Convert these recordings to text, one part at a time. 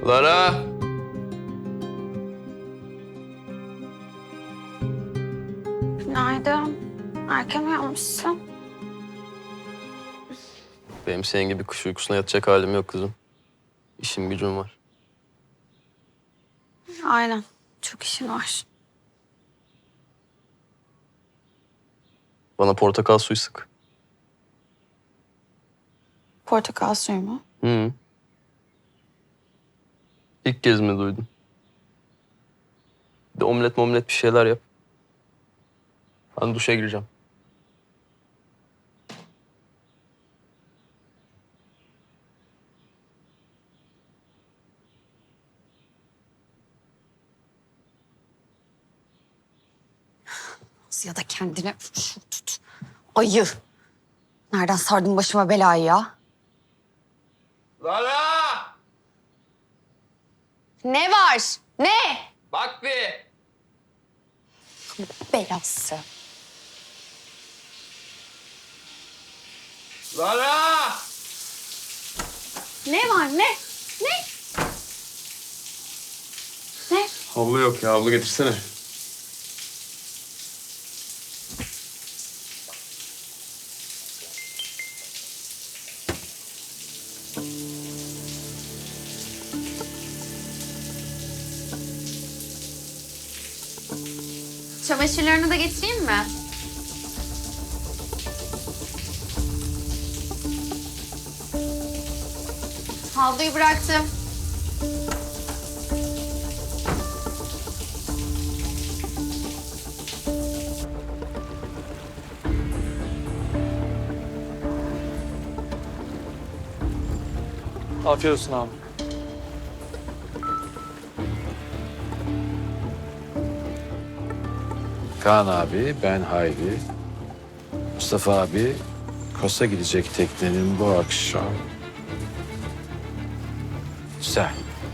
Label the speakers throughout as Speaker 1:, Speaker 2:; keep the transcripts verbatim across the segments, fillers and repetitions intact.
Speaker 1: Lara!
Speaker 2: Günaydın. Erken uyanmışsın.
Speaker 1: Benim senin gibi kuş uykusuna yatacak halim yok kızım. İşim gücüm var.
Speaker 2: Aynen. Çok işin var.
Speaker 1: Bana portakal suyu sık.
Speaker 2: Portakal suyu mu?
Speaker 1: Hı. İlk kez mi duydun? Bir de omlet momlet bir şeyler yap. Ben duşa gireceğim.
Speaker 2: Ya da kendine şu tut. Ayı. Nereden sardın başıma belayı ya?
Speaker 1: Lara!
Speaker 2: Ne var? Ne?
Speaker 1: Bak bir!
Speaker 2: Belası.
Speaker 1: Lara!
Speaker 2: Ne var ne? Ne? Ne?
Speaker 1: Havlu yok ya, havlu getirsene.
Speaker 2: Çamaşırlarını da getireyim mi? Havluyu bıraktım.
Speaker 3: Afiyet olsun abi.
Speaker 4: Kaan abi, ben Hayri. Mustafa abi, Kos'a gidecek teknenin bu akşam. Güzel.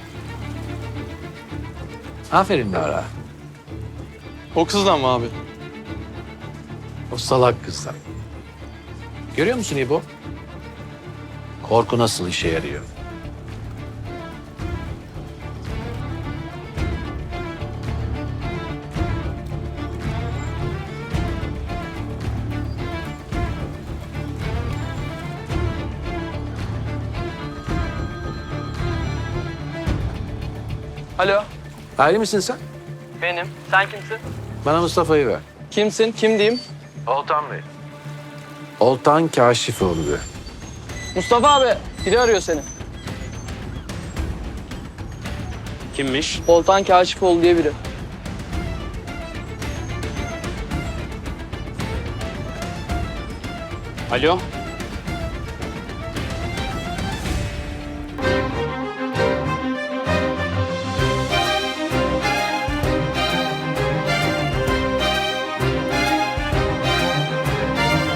Speaker 4: Aferin Lara.
Speaker 3: O kızdan mı abi?
Speaker 4: O salak kızdan. Görüyor musun İbo? Korku nasıl işe yarıyor?
Speaker 3: Alo.
Speaker 4: Hayri misin sen?
Speaker 3: Benim. Sen kimsin?
Speaker 4: Bana Mustafa'yı ver.
Speaker 3: Kimsin? Kim diyeyim?
Speaker 4: Oltan Bey. Oltan Kaşifoğlu.
Speaker 3: Mustafa abi. Biri arıyor seni.
Speaker 1: Kimmiş?
Speaker 3: Oltan Kaşifoğlu diye biri.
Speaker 1: Alo?